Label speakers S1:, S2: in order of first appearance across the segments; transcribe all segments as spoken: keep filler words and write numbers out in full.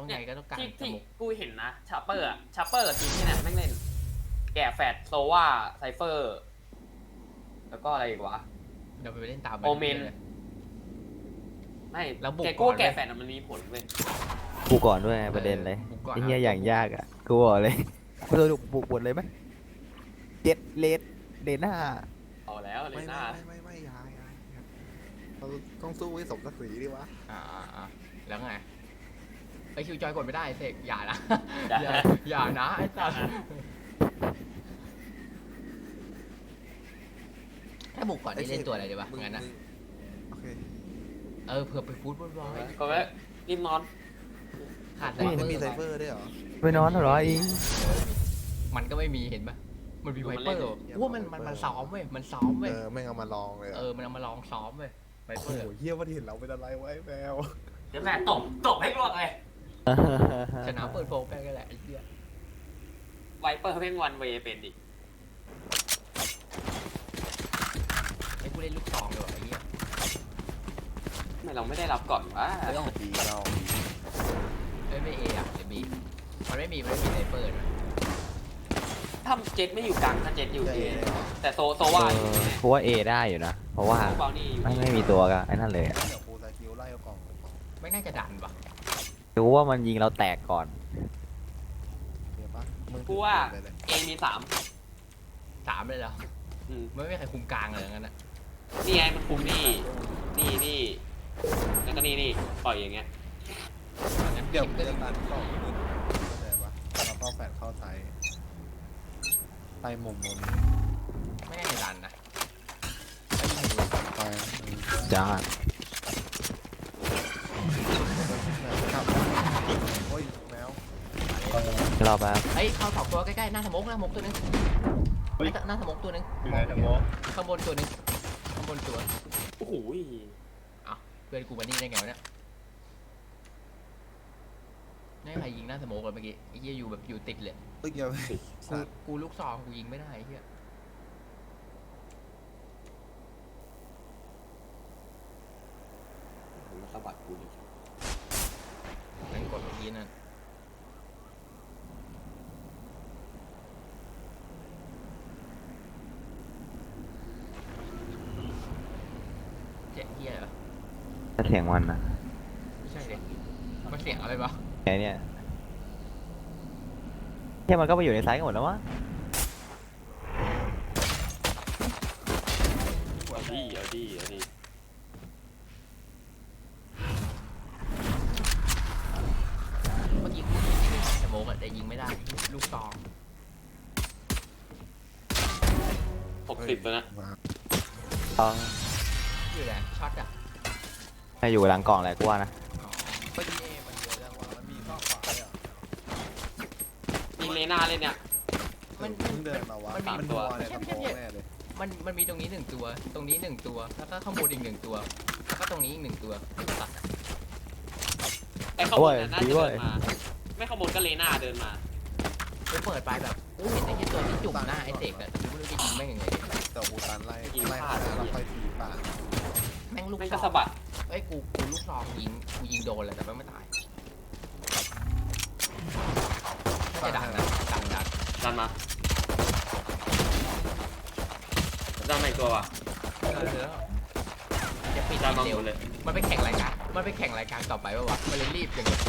S1: ไงก็ต้องการ
S2: ที่
S1: ส
S2: ที่
S1: มุก
S2: กูเห็นนะชาเปอร์อะชาเปอร์ทีมที่เนี่ยแม่งเล่นแกะแฟดโซว่าไซเฟอร์แล้วก็อะไรอีกวะ
S1: เดี๋ยวไปเล่นตาม
S2: โอเมน
S1: เลย
S2: ไม่
S1: แล้วบุก
S2: แกกู้
S1: ก่อน
S2: แกะ
S1: เลย
S2: แฟดอะมันมีผลเว้ย
S3: กูก่อนด้วยไงประเด็นเลย
S1: บุกก่อน
S3: ไอ้เหี้ย
S1: นะ
S3: อย่างยากอ่ะกูบอกเลยกูจะบุกบทเลยไหมเจ็ดเลดเลนห้า
S2: เอาแล้วเล
S4: ไม่
S2: ยห
S4: ไม่
S2: น้า
S4: ไม่ไม่ไม่ยายยายเราต้องสู้ให้สมศักดิ์ศรีดิวะ
S1: อ่าอ่าอ่าแล้วไงไอคิวจอยกดไม่ได้เสกอย่านะ
S2: อย่า
S1: อย่าอย่านะไอ้สัสถ้าบุกก่อนนี่เล่นตัวอะไรดีวะ
S4: มึ
S1: งั้นนะ
S4: มึโอเค
S1: เออเผื่อไปฟูดบอลบอย
S2: ก็ไว้รีบนอน
S1: ขาดไซ
S4: ไม่
S1: เฟอ
S4: มีไซ
S1: ร์
S4: เฟอร์ด้วยเหรอ
S3: ไปนอนเหรออิง
S1: มันก็ไม่มีเห็นปะมันมีไวเปอร์ว่ามันมันมันซ้อมเว้ยมันซ้อมเว้ย
S4: เออไม่เอามาลองเลย
S1: เออมันเอามาลองซ้อมเว้ยไว
S4: โอ้
S1: เปอร์
S4: โหเฮียว่าเห็นเราเป็นอะไรไว้แมว
S2: เดี๋ยวแม่ตบตบให้รวดเลย
S1: ชนะเปิดโฟมไปกันแหละไอ้เหี้ย
S2: ไวเปอร์แม่งวันเวย์เป็นดิ
S1: ไอ้กูเล่นลูกซองเลยว่ะไอ้เหี้ย
S2: ทำไมเราไม่ได้รับก่อนวะ
S4: ไม่ต้องดีเรา
S1: เอ้ยไม่เออะหรือบีมันไม่มีมันไม่มีไวเปอร์นะ
S2: ถ้าเจ็ตไม่อยู่กลางถ้าเจ็ตอยู่
S4: จะ
S2: เอ
S4: เอเลยเหรอ
S2: แต่โซโซ
S3: เอ
S2: ว่า
S3: อกูว่าเอได้อยู่นะ เพราะว่า
S2: โซเบานี่อยู่
S3: ไม่
S2: นี่
S3: ไม่มีตัวก็ไอ้นั่นเลยอะ
S4: เดี๋ยวกูจะคิวไล่เอากล่องเอากล่อง
S1: ไม่น่าจะดันปะ
S3: กูว่ามันยิงเราแตกก่อน
S4: เดี๋ยวปะมึง
S2: กูว่า
S4: ไปเลย
S2: เอมีสาม
S1: สามเลยเหรอ
S2: อืม
S1: ไม่มีใครคุมกลางเลยงั้นนะ
S2: นี่ไงมันคุมนี่ นี่นี่แล้วก็นี่นี่ปล่อยอย่างเงี้ย
S1: งั้น
S4: เดี๋ยว
S1: คิ
S4: มึ
S1: ม
S4: ง
S1: ก็
S4: จะตัดกล่องมึงเข้าใจปะเราเข้าแฟดเข้าไซส์ไปมุมมุม
S1: ไม่น่าจะดันนะ
S4: ไป
S3: จ้า
S4: ครับโอ้ยแมว
S3: รอแป๊บ
S1: เฮ้ยเข้าสองตัวใกล้ๆหน้าสมกหน้าสมกตัวนึง
S5: เฮ้ย
S1: หน้าสมกตัวนึง
S5: อยู่ไหนนะโม
S1: ข้างบนตัวนึงข้างบนตัว
S2: โอ้โห
S1: เพื่อนกูมานี่ได้ไงวะเนี่ยนี่ใครยิงหน้าสมกเลยเมื่อกี้ไอ้เหี้ยอยู่แบบอยู่ติดเลย
S4: เอ้ยอย่าไป
S1: กู
S4: สัตว์
S1: กูลูกซองกูยิงไม่ได้ไอ้เหี้ย
S2: มาสะบัดกูดิ
S1: นั่นกดเมื่อกี้นั่นเสียงเหี้ยเหรอ
S3: ถ้าเสียงมันนะ
S1: ไม่ใช่เลยมันเสียงอะไรวะ
S3: ไงเนี่ยแค่มันก็ไปอยู่ในไซส์กันหมดแล้ววะ
S2: เอาดิเอาดิเอาดิ
S1: เมื่อกี้กูยิงไม่ได้สมกอะแต่ยิงไม่ได้ลูกซอง
S2: หกสิบแล้วนะ
S4: มา
S3: ต้อง
S1: คืออะไรช็อตอะ
S3: ให้อยู่หลังกล่องแหละกูว่านะ
S1: อ๋อ
S4: ไปดีเอมันเยอะจังวะมันมีข้อขวาเลยเหรอ
S2: มีเลน่าเล่นเนี่ย
S1: มัน
S4: เพิ่งเดินมาวะ
S1: มันมี
S4: มัน
S2: ตั
S4: ตัว วอะไรกระโปรงแน่เลย
S1: มันมันมีตรงนี้หนึ่งตัว ตรงนี้หนึ่งตัว แล้วก็ข้างบนอีกหนึ่งตัว แล้วก็ตรงนี้อีกหนึ่งตัวตัดอะ
S2: ไอ้ข้างบนน่ะน่าจะเดินมา ไม่ข้างบนก็เลน่าเดินมา
S1: กูเปิดไปแบบกูเห็นไอ้ที่ตัวที่จุ่มหน้าไอ้เด็กอะแต่กูไม่รู้จะยิงแม่งยังไง
S4: แต่อูตันไล่
S2: ยิง
S4: ไล่
S2: พลาด
S4: แล้วค่อยทีป่า
S1: แม่งลูก
S2: แม่ง
S1: ซ
S2: ก็
S1: อง
S2: สะบัด
S1: เอ้ยกูกูลูกซองยิงกูยิงโดนเลยแต่แม่งไม่ตายน่าจะดังนะดังดัง
S2: ดันมาดันมาอีกตัวว่ะ
S1: จะปิด
S2: ดันมา
S1: เร็
S2: ห
S1: ว
S2: มดเลย
S1: มันไปแข่งรายการมันไปแข่งรายการต่อไปปะวะมันเลยรีบอย่างเงี้ย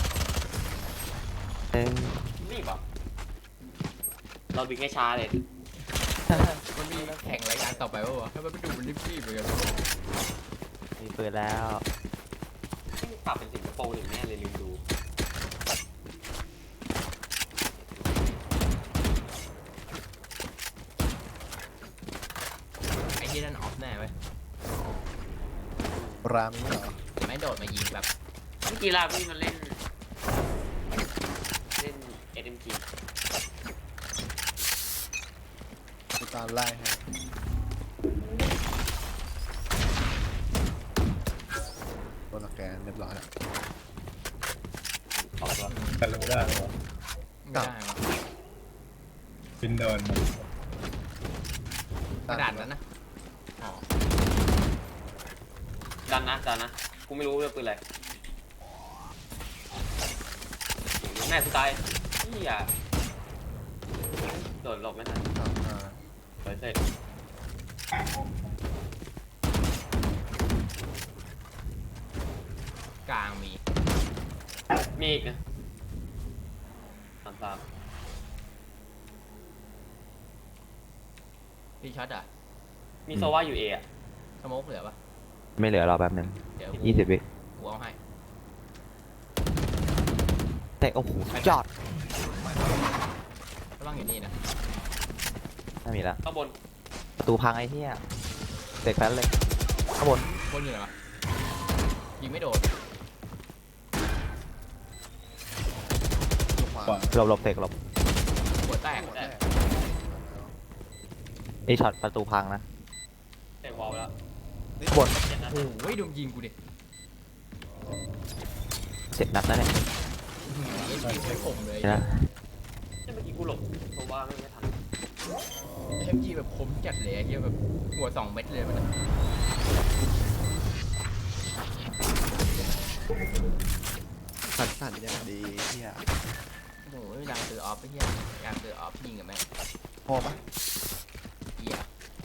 S3: เอ้ย
S2: รีบอ่ะเราดึงให้ช้าเลย
S1: มันมีแข่งรายการต่อไปปะวะให้มันไปดูมันรีบๆเหมือนกัน
S3: มีปืนแล้ว
S2: ปรับเป็นสิงคโปร์หนึ่งแน่เลยลืมดู
S1: ไอ้ที่นั่นออฟแน่เว้ย
S4: รามีเหรอ
S1: ไม่โดดมายิงแบบ
S2: เมื่อกี้ลาพี่มันเล่น เล่นเอ็มจี
S4: อูตันไล่ให้โดนสแกนเรียบร้อยแล้ว
S2: ออกตัว
S5: กันรู้ได้เหรอ
S1: ไม่ได้วะ
S5: บินโดน
S1: กระดานนั้นนะอ๋อ
S2: ดันนะดันนะ กูไม่รู้เรื่องปืนอะไรแม่กูตายเฮียโดดหลบไม่ทัน
S4: สามห้า
S2: เปิดเสร็จ
S1: กลางมี
S2: มีอีกนะสามสาม
S1: พี่ช็อตอ่ะ
S2: มีโซว่าอยู่เออะ
S1: สโมกเหลือปะ
S3: ไม่เหลือรอแป๊บนึง
S1: เดี๋ยว
S3: ยี่สิบวิ
S1: กูเอาให้
S3: แต่โอ้โหจอด
S1: ระวังอยู่นี่นะ
S3: ไม่มีแล้ว
S2: ข้างบน
S3: ประตูพังไอ้เหี้ยเด็กแป๊บเลยข้างบน
S1: บนอยู่ไหนวะยิงไม่โดน
S4: อยู่ขวา
S5: ขวา
S3: หลบหลบเตกหลบ
S1: หัวแตก
S4: หัวแตก
S3: ไอ้ช็อตประตูพังนะ
S2: เตะวอลไปแล้ว
S3: บน
S2: เจ็ดนัด
S1: โอ้ยโดนยิงกูดิ
S3: เจ็ดนัดแล้วเนี่ย
S1: ยิงไม่ผมเลย
S3: เห็นไหม
S2: เมื่อกี้กูหลบโซว่าไม่ไม่ทัน
S1: เอ็มจีแบบคมจัดเลยไอ้เหี้ยแบบหัวสองเม็ดเลยมันอะ
S4: สั่นสั่นอย่างดีเฮีย
S1: โอ้ยอยากซื้อออฟไปเหี้ยอยากซื้อออฟยิงกับแม่ง
S4: พอปะ
S1: เหี้ย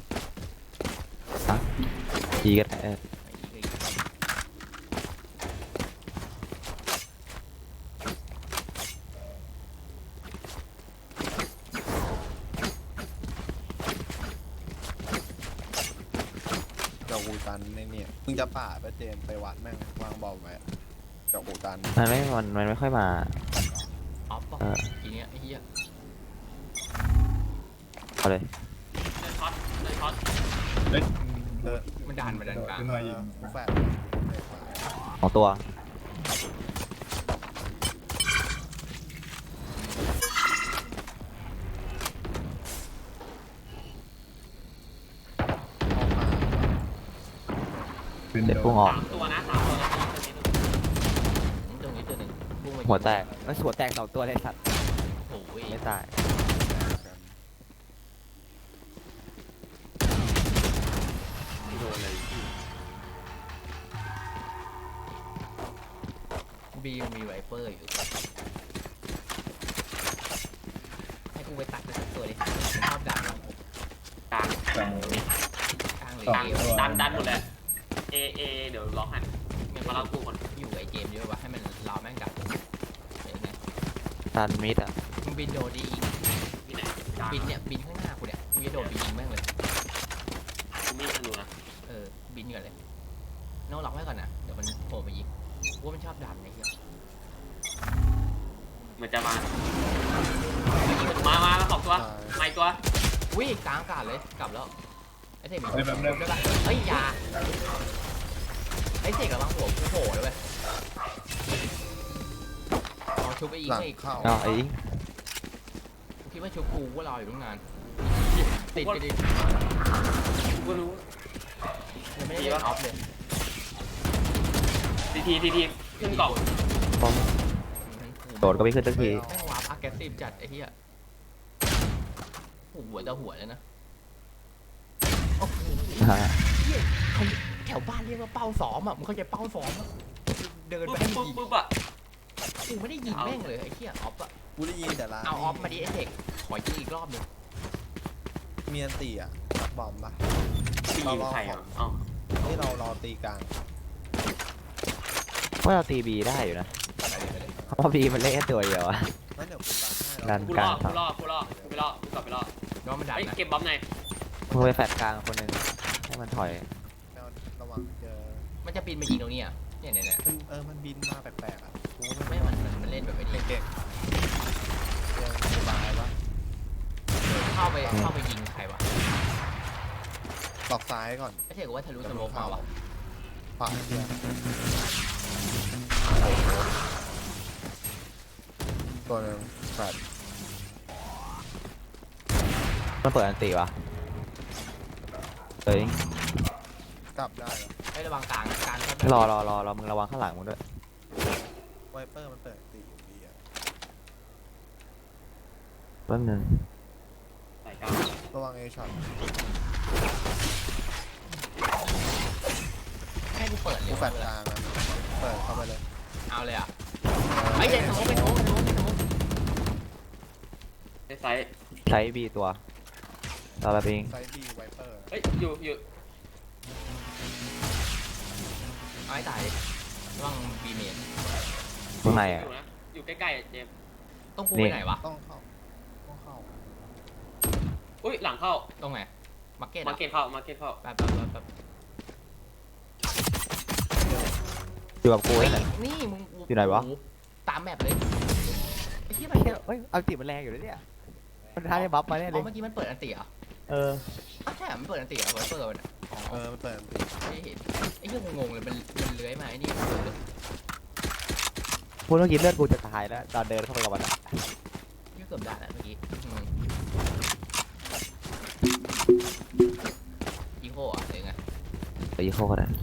S3: ดีกันเออ
S1: ไอ้เหี้ย
S4: เดี๋ยวกูตันในเนี่ยมึงจะป่าไปเจมไปวัดแม่งวางบอลไว้เดี๋ยวกูตัน
S3: มันไม่มันมันไม่ค่อยมา
S1: ออฟป่ะ
S3: เออ
S1: ทีเนี้ยไอ้เหี้ย
S3: เอาเลย
S2: เดินช็อตเดินช็อต
S5: เฮ้ย
S4: เออ
S1: มันดันมาดันกลาง
S5: ขึ้นมายิง
S4: กูแฟด
S3: ของตัว
S5: ขึ้น
S3: เด็ด
S5: โด
S3: พุ่ง
S5: น
S3: ออก
S2: สามตัวนะสามตัวนะตรงนี้ตรงนี้
S1: ตรงนี้ตัวหนึ่งพุ่งมา
S3: หัวแตกแล้วหัวแตกสองตัวเลยสัตว์
S1: โอ้ย
S3: ไม่ตาย
S2: ไม่โดนเลย
S1: บีมีไวเปอร์อยู่ให้กูไปตัดสักตัวดิชอบดันอะ
S2: กลาง
S5: กลาง
S1: กลางหรือก
S2: ลาง
S1: เอว
S2: ดันดันหมดเลยเอเอเดี๋ยวล็อกหัน
S1: เนี่ย
S2: มา
S1: มา
S2: เล่า
S1: เล่า
S2: กูก่อน
S1: อยู่กับไอ้เจมส์เยอะวะให้มันรอแม่งกลับเดี๋ยวไง
S3: ตันมิดอ่ะ
S1: มึงบินโดดดีอีก
S2: ที่ไหนกลาง
S1: บินเนี่ยบินข้างหน้ากูเนี่ยกูจะโดดไปยิงแม่งเลย
S2: กูมีธนูนะ
S1: เออบินก่อนเลยโน้ล็อกไว้ก่อนนะเดี๋ยวมันโผล่ไปยิงกูว่ามันชอบดันไอ้เหี้ย
S2: เหมือนจะมามามามาสองตัวมาอีกตัว
S1: วิ่งกลางอากาศเลยกลับแล้วไอ้เสกมี
S5: เฮ้ยแป๊บนึง
S1: ได้ปะเฮ้ยอยาไอ้เสกระวังหัวกูโผล่เลยเว้ยเอาชุบไปยิง
S4: หลัง
S1: ให้อีก
S4: เข้า
S3: เอาไอ้อิง
S1: กูคิดว่าชุบกูว่ารออยู่ตั้งนานติดไปดิ
S2: กูก็รู้
S1: ยังไม่ได้เล่นออฟเลย
S2: ทีทีทีทีขึ้นกล่อง
S3: ป้อมโดดก็ไม่ขึ้นสักที
S1: แม่งวาร์ปอ g เกสซีฟจัดไอ้เหี้ยโอ้โหหัวจะหัวแล้วนะโอ้โห
S3: ฮะ
S1: เหี้ยเขาแถวบ้านเรียกว่าเป้าซ้อมอ่ะมึงเข้าใจเป้าซ้อมอ่ะเดิน
S2: ปุ๊
S1: ไป
S2: บ
S1: ให้
S2: ปุ๊บ
S1: ยิง
S2: ปุ๊บอ่ะ
S1: กูไม่ได้ยิงแม่งเลยไอ้เหี้ยออฟอ่ะ
S4: กูได้ยินแต่ละ
S1: เอาออฟมาดิไอ้เด็กขอยิงอีกรอบหนึง
S4: เมียนตีอ่ะรับบอมปะ
S2: ปียิงใครอ่ะอ๋อ
S4: ที่เรารอตีกลาง
S3: ว่าเราตีบีได้อยู่นะ
S1: ไปเลยไปเลย
S3: เพราะว่าบีมันเล่นแค่ตัวเดียวอะ
S4: นั่นเดี๋ยวกูตันให้
S3: ดั
S4: เรา
S3: น
S2: กูรอดกูรอดกูรอดกูไปรอดกูกลับไปรอด
S1: น้องมันดัน
S2: เฮ้ย
S1: นะ
S2: เก็บบอมหน่อย
S3: มึงไปแฟดกลางคนหนึ่งให้มันถอย
S4: เอาระวังเจอ
S1: มันจะปีนมายิงตรงนี้อ่ะเนี่ยเนี่ยเนี่ย
S4: มันเออมันบินมาแปลกๆอ่ะกูก็
S1: ไม่
S4: ไม่
S1: มันมันมันเล่นแบบไอ้นี่
S4: เก่งเจอสบายปะ
S1: เข้าไปเข้าไปยิงใครวะ
S4: ตอกซ้ายก่อน
S1: ไอ้เด็กว่าทะลุสโมกมาวะ
S4: ขวาเดียวตัวหนึ่งแฟด
S3: มันเปิดอันตีวะเฮ้ย
S4: กลับได้เหรอ
S1: ไอ้ระวังกลางกลางก็
S3: รอรอรอรอมึงระวังข้างหลังมึงด้วย
S4: ไวเปอร์มันเปิดตีอยู่ดีอ่ะ
S3: แป๊บนึง
S2: ใส่กลาง
S4: ระวังเอช็อต
S1: ให้กูเปิดเล
S4: กู
S1: ย
S4: แฟดกลางอ่ะเปิดเข้าไปเลย
S1: เอาเลยอ่ะไอ้เด็กสโมกไปสโมกไปสโมกไปสโมก
S2: ไซส์
S3: ใช้บีตัวตาลาบิง
S4: ไซด์บีไวเปอร์
S2: เฮ้ยอยู่อยู่
S1: เอาให้ตายดิระวังบีเมน
S3: ข้างในอ่ะ
S2: อยู่นะอยู่ใกล้ๆอะเจมส์
S1: ต้องกู
S3: นี่
S1: ไปไหนวะ
S4: ต้องเข้าต้องเข้า
S2: อุ้ยหลังเข้า
S1: ตรงไหนมาร์เก็ต
S2: มาเก็ตเข้ามาเก็ตเข้า
S1: แป๊บแป๊บแป๊บแป๊บ
S3: อยู่กับกู
S1: เฮ้ย
S3: นี่แหละ
S1: นี่มึง
S3: อยู่ไหนวะ
S1: โโตามแบบเลยไอ้ที่มัน
S3: เฮ้ยเอาติมันแรงอยู่เลยเนี่ยมันท้าได้บัฟมาแน่เล
S1: อ๋อย เมื่อกี้มันเปิดอันติเหรอ
S3: เออ
S1: อ้าวใช่เหรอมันเปิดอันติเหรอไวเปอร์มันอะอ๋อ
S4: เออมันเปิดอันติ
S1: ไม่เห็นไอ้เหี้ยงงๆเลยมันมันเลื้อยมาไอ้นี่มันเปิดเลย
S3: พูดเมื่อกี้เลือดกูจะตายแล้วตอนเดินเข้าไปกับมันอะ
S1: เหี้ยเกือบด่าแล้วเมื่อกี้อืมอีโคอ่ะหรือไง
S3: ไปยี่ห้อก็ได้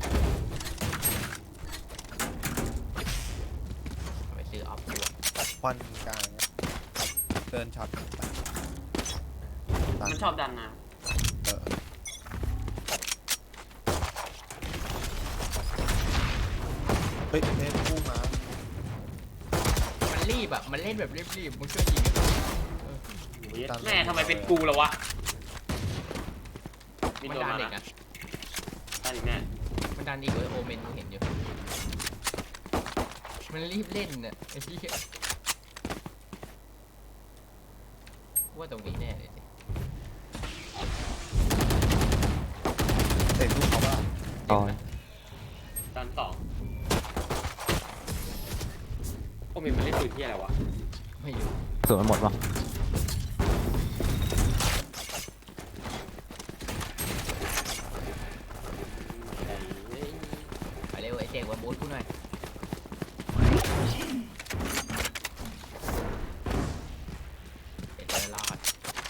S1: เอาไปซื้อออฟด้วย
S4: ควันกลางเดินช็อตไปตั
S2: มันชอบดันนะ
S4: เออเฮ้ยเล่นคู่มา
S1: มันรีบอ่ะมันเล่นแบบรีบๆมึงช่วยยิงกัน
S2: แม่ทำไมเป็นกูล่ะวะมี
S1: มัน
S2: ตัว
S1: ดัน
S2: มา
S1: เด็ก
S2: นะ
S1: นะ
S2: ดันอีกแน่
S1: มันดันอีกเลยโอเมนกูเห็นอยู่มันรีบเล่นน่ะไอ้ที่ว่าตรงนี้แน่เลยสิ
S4: เตะลูกเขาว่า
S3: ต่อ
S2: ดันสองโอ้มีมันเล่นปืนที่อะไรวะ
S1: ไม่อยู่
S3: ส่วนมันหมดป่ะ
S1: ไปเร็วไอ้เจ๊กวันบูธกูหน่อยเป็นเจอรอด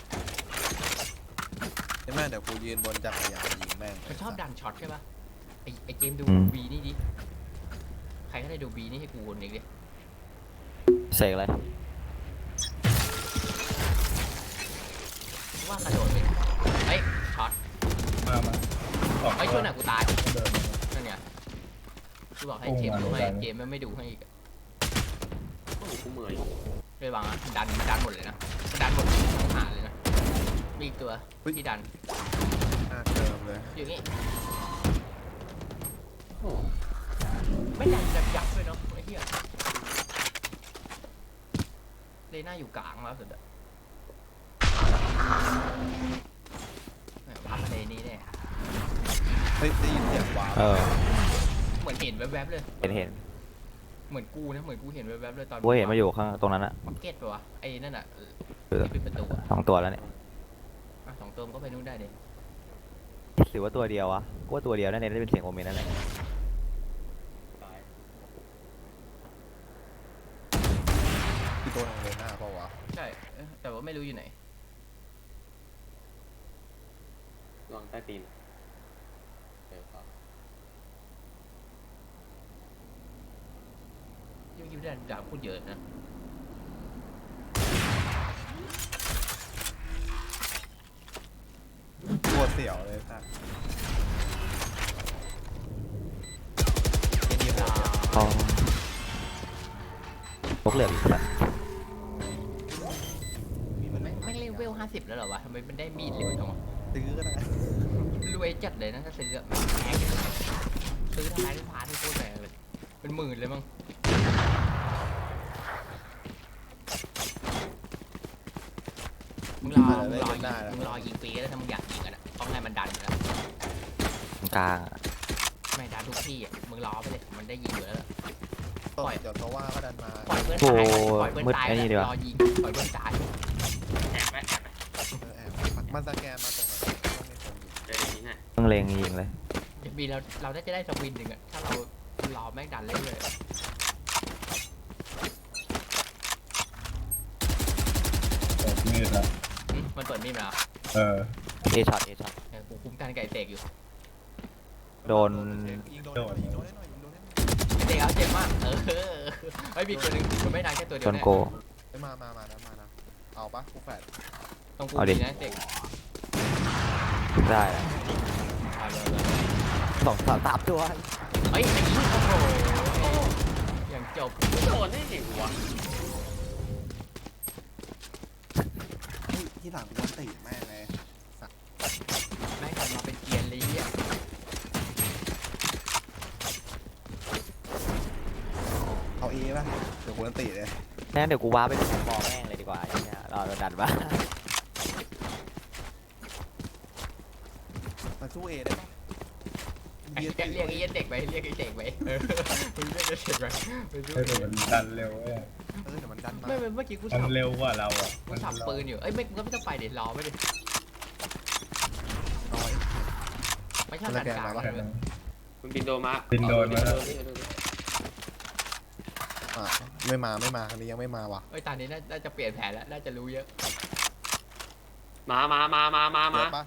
S4: ใช่ไหมเดี๋ยวกูยืนบนจักรยานยิงแม่ง
S1: มันชอบดันช็อตใช่ปะไอ้ไอ้เจมส์ดูบีนี่ดิใครก็ได้ดูบีนี่ให้กูคนหนึ่งดิ
S3: เสกอะไร
S1: ว่ากระโดดไปเฮ้ยช็อต
S5: มามาออก
S1: เฮ้ยช่วยหน่อยกูตาย
S5: เดินมา
S1: นั่นเนี่ยกูบอกให้เจมส์ดูให้เจมส์ไม่ดูให้อีก
S2: โอ้โหกูเหมื่อย
S1: เลยวางอ่ะดันดันหมดเลยนะดันหมดทั้งหาเลยนะมีอีกตัวที่ดัน
S4: หน้าเติมเลย
S1: อยู่นี่
S2: โอ้โห
S1: ไม่ดันแบบยับเลยเนาะไอ้เหี้ยเลน่าอยู่กลางแล้วสุดอะแหมวาร์ปมาเลนี่แน่
S4: เฮ้ยได้ยินเสียงว้าว
S3: เออ
S1: เหมือนเห็นแวบๆเลย
S3: เห็นเห็น
S1: เหมือนกูนะเหมือนกูเห็นแวบๆเลยตอน
S3: กูเห็นมาอยู่ข้างตรงนั้นอะ
S1: มาร์เก็ตปะวะไอ้นั่นอะ
S3: เออ
S1: ที่ปิดประตูอะ
S3: สองตัวแล้วเนี่ย
S1: อ่ะสองตัวมันก็ไปนู่นได้เด็
S3: หรือว่าตัวเดียววะกูว่าตัวเดียวนั่นเองได้เป็นเสียงโอเมนนั่นแหละ
S2: ตาย
S4: ที่ตัวนึงเลยหน้าเปล่าวะ
S1: ใช่เอ้ยแต่ว่าไม่รู้อยู่ไหน
S2: ลองใต้ตีนเดี๋ยวครับ
S1: ยิ่งยิ่งได้ด่าพูดเยอะนะ
S4: ตัวเสียวเลยสัสไอ้นี่โหดเนี่ย
S3: อ๋อพกเหลืองอีกแล้ว
S4: มีมัน
S1: ไม่ไม่เล่นเวลห้าสิบแล้วเหรอวะทำไมมันได้มีดเร็วจังวะ
S4: ซื้อก็ได้
S1: รวยจัดเลยนะถ้าซื้ออะแพงอยู่นะซื้อทำไมได้พาที่โคตรแพงเลยเป็นหมื่นเลยมั้งมึงรอมึงรอยิงมึงรอยิงฟรีแล้วถ้ามึงอยากยิงกันอะต้องให้มันดันอยู่แล้ว
S3: กลางอะ
S1: ไม่ดันทุกที่อะมึงรอไปเลยมันได้ยิงอยู่แล้ว
S4: ต้นเดี๋ยวตัวว่าก็ดันมา
S1: ปล่อยเพื่อน
S3: โอ้
S1: ตายปล่อยเพื่อน
S3: มืด
S1: ตาย
S3: ไอ้นี่ดีก
S1: ร
S3: ว่า
S1: อยิงปล่อยเพื่อนตาย
S2: แอบไหมแอบไหม
S4: เออแอบมันสแกนมาตรงไหนต้องมีคนอยู่
S2: เดี๋ยวนี้ให้
S3: ต้องเลงยิงเลย
S1: จะมีเราเราได้จะได้สวินหนึ่งอะถ้าเรารอแม่งดันเรื่อยๆอะ
S5: เปิดมืดแล้ว
S1: หึมันเปิดมีดมาเหรอ
S5: เออ
S3: เอช็อตเอช็อต
S1: เออกูคุ้มกันไก่เสกอยู่
S3: โดน
S4: ยิงโดนยิงโดนให้หน่อยยิงโดนให้หน่อย
S1: เสกเอาเจ็บมากเออไอ้ยมีตัวหนึ่งมันไม่ดังแค่ตัวเดีย
S3: โด
S1: วน แน่
S3: โก
S4: เฮ้ยมามามานะมานะเอาปะกูแฟด
S1: ตรงกู
S3: เอาดิ
S1: มีนะเสก
S3: ได้แล้ว
S1: เอาเลยเอาเลย
S3: สองสามสามตัว
S1: เฮ้ยไอ้ยี่โอ้โหอย่างจบ
S2: โดนได้ไงวะ
S4: สั่งวันติแม่งเลย
S1: แม่งกลับมาเป็นเกียร์เลยอ่ะ
S4: เอาเอป่ะเดี๋ยวกูวันติเลย
S3: งั้นเดี๋ยวกูว้าไปเป็นบอลแม่งเลยดีกว่าไอ้เนี่ยรอโดนดันบ้า
S4: มาสู้เอได้ปะ
S1: เรียกเรียกไอ้เหี้ยเด็กไปเรียกไอ้เด็กไปเออมึงเรียกไอ้เด็กไปไปดู
S5: ให้ผมมันดันเร็วเว้ย
S4: เออเดี๋ยวมันดันมา
S1: ไม่เมื่อกี้กู
S5: มั
S1: สั
S5: น
S1: บ
S5: เร็วกว่าเราอ่ะ
S1: กูสับปืนอยู่เอ้ยไม่ก็ไม่ต้องไปเดี๋ยวรอไม่ดิ
S4: น้อย
S1: ไม่ชอบดันกลางเลย
S2: คุณบินโดนมา
S5: บินโดนมาแล้ว
S4: อ่ะไม่มาไม่มาครั้งนี้ยังไม่มาว่ะ
S1: เอ้ยตอนนี้น่าจะเปลี่ยนแผนแล้วน่าจะรู้เยอะ
S2: มามามามามามา
S4: เดี๋ยวปะ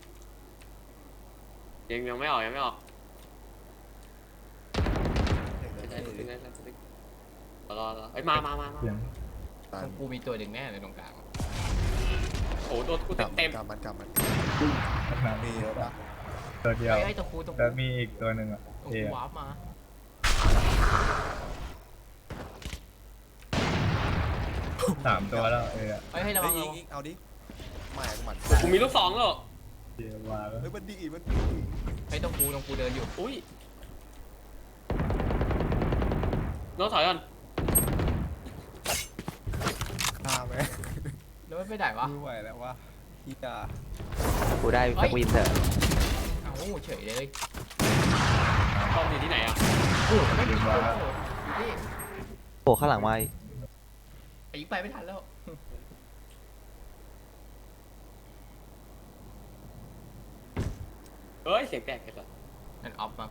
S2: ยังยังไม่ออกยังไม่ออก
S4: เดี๋ยว
S2: ได้
S4: เดี๋ยว
S2: ได้
S4: เดี๋ยว
S2: ได้ได้รอรอเอ้ยมามามามา
S5: เสียง
S4: ตาม
S1: กูมีตัวหนึ่งแน่เลยตรงกลาง
S2: โอ้โหโดนกู
S4: กลั
S2: เต็
S4: บ
S2: มเต็ม
S4: กลับมันกลับมัน
S5: ขนาด
S4: มี
S5: นี้
S4: เยอะปะ
S5: ตัวเดียว
S1: ไอ้ไอ้ตะคูตะคู
S5: แล้วมีอีกตัวหนึ่งอ่ะ
S1: ตะ
S5: เอ
S1: คู
S5: อะ
S1: วาร์ปมา
S5: สามตัวแล้วเออะ
S1: เฮ้ยให้ระวั
S4: เฮ้
S1: ง
S4: ย
S1: ระวัง
S4: ยิงยิงเอาดิไม่กูหมัด
S2: กูมีลูกสองแล้ว
S5: เดียวมาแล้ว
S4: เฮ้ยมันดีมันดี
S1: ไอ้ตะคูตะคูเดินอยู่
S2: อุ้ยโน้ตถอยก่อน
S4: ฆ่าไหม
S1: แล้วไม่ไปไหนวะ
S4: ไม่ไหวแล้ววะฮียา
S3: กูได้สกวินเถอะ
S1: เอ้าเฉยเลย
S2: ป้อมอยู่ที่ไหนอ่ะ
S1: โอ้ไม่มีคนอยู่ที่
S3: โผล่ข้างหลังมาอีก
S1: ไอ้ยิงไปไม่ทันแล้ว
S2: เฮ้ยเสียงแปลกเลย
S1: นั่นออฟมา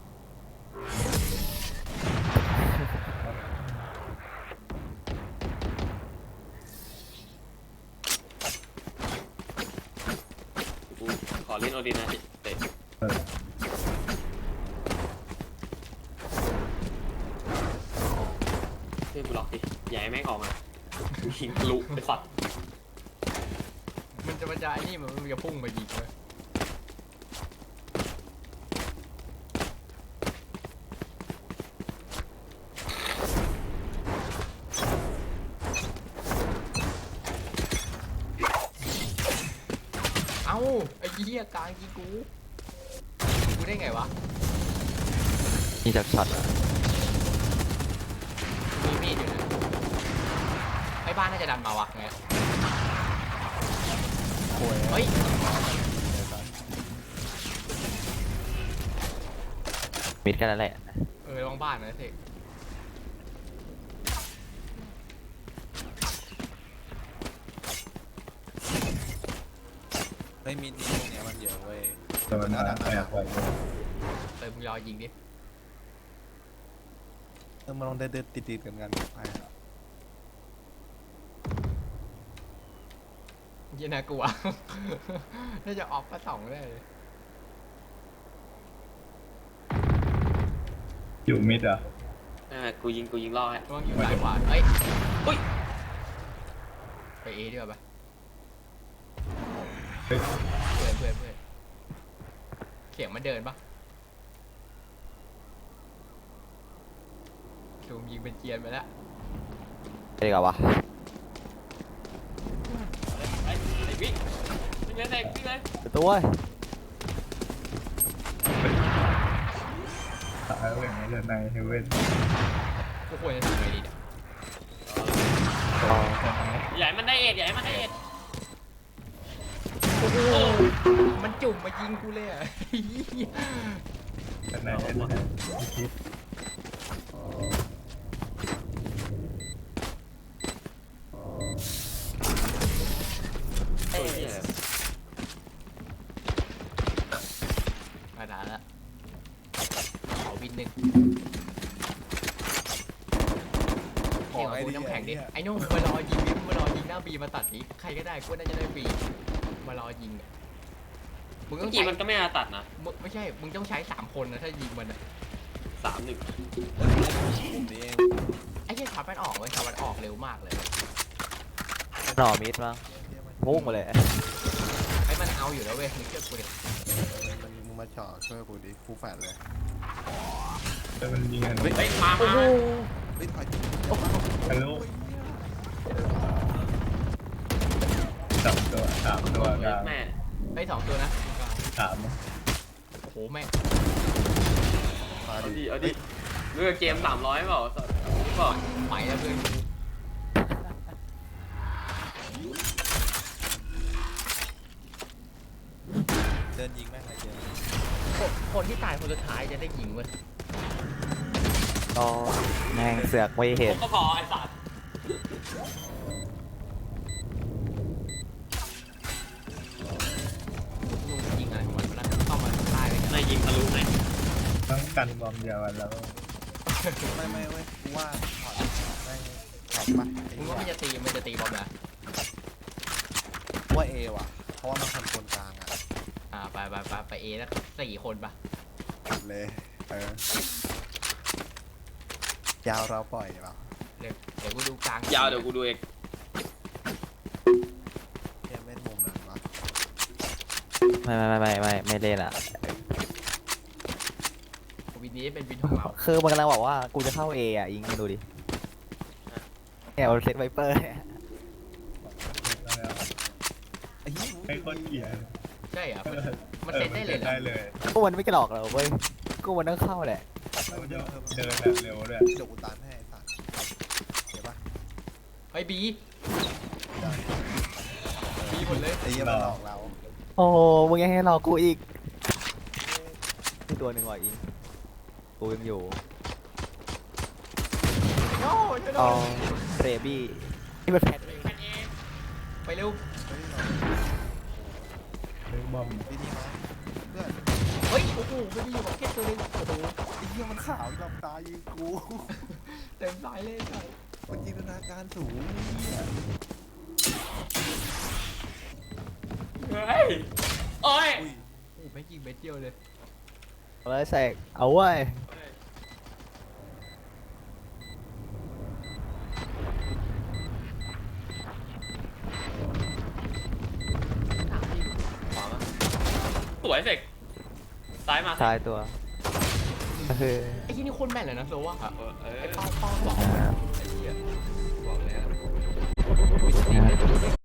S2: กูขอเล่นโอดินนะเตะ
S5: เออ
S2: เพื่อนกูล็อกดิอย่าให้แม่งออกมากูยิงทะลุไปสัตว์
S1: มันจะมันจะไอ้นี่มันมันจะพุ่งมายิงเลยเอ้าไอ้เหี้ยกลางยิงกูกูได้ไงวะ
S3: นี่จากช็อตอะ
S1: มีมีดอยู่นะไอ้บ้านน่าจะดันมาวะไง
S4: โวย
S1: เฮ้ย
S3: มิดแค่นั้นแหละ
S1: เออลองบ้านนะสิ
S4: ไม่มีทีตรงเนี้ยมันเยอะเว้ย
S5: ตัวมันมาแอบไว้
S1: เออมึงรอยิงดิ
S4: เออมาลองเดินเดินติดติดๆกันกันไปอะ
S1: เหี้ยน่ากลัว น่าจะออกมาสองได้เลย
S5: อยู่มิดอ่ะ
S2: เออกูยิงกูยิงล่อให้
S1: ระวังอยู่ซ้ายขวาเอ้ย
S2: อุ้ย
S1: ไปเอดีกว่าปะ
S5: เฮ้ย
S1: เพื่อนเพื่อนเพื่อนเสียงมันเดินปะซูมยิงเป็นเกียร์ไปแล้ว
S3: ไปดีกว่าวะ
S2: ไอ้ไอ้วิ่งวิ่งเลยเด็กวิ่งเลย
S3: เปิดตัวเว้ย
S5: ตายแล้วอย่างนี้จะในเฮเว่น
S1: กูควรจะทำไงดีเนี่ย
S3: อ๋อ
S2: ใหญ่มันได้เอ็ดใหญ่มันได้เอ็ด
S1: โอ้โหมันจุ่มมายิงกูเลยอ่ะ
S5: จะในเฮเว่นคิด
S2: เอ้ย
S1: มาด่าละขอวินหนึ่ง
S4: ขอ
S1: เกี่ยวกับ
S4: ไอ้
S1: กู
S4: นี่
S1: น้ำแข็งดิ
S4: ไอ้
S1: ไอ้นุ่มมารอยิงดิมารอยิงหน้าบีมาตัดนี้ใครก็ได้กูน่าจะได้บีมารอยิงอะมึง
S2: เมื่
S1: ต้
S2: อ
S1: อง
S2: กี้
S1: ใช้
S2: มันก็ไม่มาตัดนะ
S1: มึงไม่ใช่ มึงต้องใช้สามคนนะถ้ายิงมันอะ
S2: สามหนึ่ง
S4: ผมนี่เอง
S1: ไอ้เหี้ยช็อตมันออกเว้ยช็อตมันออกเร็วมากเลย
S3: หน่อมิดมั้งพุ่งมาเลย
S1: ไอ้มันเอาอยู่แล้วเว้ยมึงเชื่อกูดิ
S4: มันมึงมาเจาะช่วยกูดิกูแฟดเลย
S5: แล้วมันยิงกัน
S2: เฮ้ยมามา
S4: เฮ้ยถอย
S5: ทะลุจับตัวสามามตัวกลาง
S2: แม่
S1: ไอ้สองตัวนะ
S5: สามนะ
S1: โอ้โหแม่ง
S4: มา
S2: เอา
S4: ดิ
S2: ดิเอาดิเลือกเกมสามร้อยเปล่าสัตว์นี่เปล่า
S1: ไปแล้วเพื่อนกู
S4: เดินยิงแม่งเลยเจอ
S1: คนคนที่ตายคนสุดท้ายจะได้ยิงเว้ย
S3: อ๋อแม่งเสือกไม่เห็น
S2: ก็พอไอ้สัตว์
S1: ลุงยิงอะไรของมันวะนะเข้ามาตายเลย
S2: นายยิงทะลุไง
S5: ต้องกันบอมเดียวกันแล้ว
S4: ไม่ไม่เว้ยกูว่าถอดแม่งถอดปะไอ้
S1: มึง
S4: เหี้
S1: ว่ามัน
S4: ย
S1: จะตีมันจะตีบอมนะ
S4: ว่าเอว่ะ เพราะว่ามันคนคนกลางอ่ะ
S1: อ่าไปไปไปไปเอแล้วสี่คนปะ
S4: เลยเออยาวเราปล่อยเปล่า
S1: เดี๋ยวเดี๋ยวกูดูกลาง
S2: ยาวเดี๋ยวกูดูเอง
S4: เทียมเล่นมุมนั้นวะ
S3: ไม่ไม่ไม่ไม่ไม่เล่นอ่ะ
S1: วินนี้เป็นวินของเรา
S3: คือมันกำลังบอกว่ากูจะเข้าเออ่ะยิงดูดิเนี่ยเอาเซตไวเปอร์เนี่ย
S4: ไอ้เหี้ย
S5: ให้คนเกลียด
S1: ใช่เหรอมันมันเซตได้เลยเหรอ
S5: ได้เลย
S3: กูมันไม่กระหลอกเราเว้ยกูมันต้องเข้าแหละ
S5: แล้วเดินเดินแบบเร็วด้วย
S4: เดี๋ยวกูตามให้ไอ้สัตว์เดี๋ยวปะ
S1: ไอ้บี
S4: ได้
S1: บีหมดเลย
S4: ไอ้เหี้ยมันหลอกเรา
S3: โอ้โหมึงยังให้รอกูอีกที่ตัวหนึ่งว่ะอิงกูยังอยู่
S1: โอ้ยช่วยหน่
S3: อ๋
S1: อ
S3: อย เรบี้นี่มันแพท
S1: ไปเร็ว
S4: เฮ้ยเรา
S5: เรื่องบอม
S4: ดีดีมาเพื่อน
S1: เฮ้ยโอ้โหไม่มีอยู่กับแค่ตัวนึงโอ้โห
S4: ไอ้เหี้ยมันขาวจับตายิงกู
S1: เต็มสายเลยใช่
S4: มันจินตนาการสูงเหี้ย
S2: เฮ้ยโอ้ย
S4: อุ้ย
S1: โอ้โหไม่ยิงเม็ดเดียวเลย
S3: เอาเลยแสกเอาเว้ย
S1: ถามพี่ขวามา
S2: สวยเสกซ้ายมา
S3: ทายตัวก็คือ
S1: ไอ้ที่นี่โคนแม่นเลยนะโซว่า
S2: เออเออ
S1: ไอ้เป้าเป้าบอก
S3: อ่า
S1: ไอ้เหี้ยบอกแล้ววิธีเล่น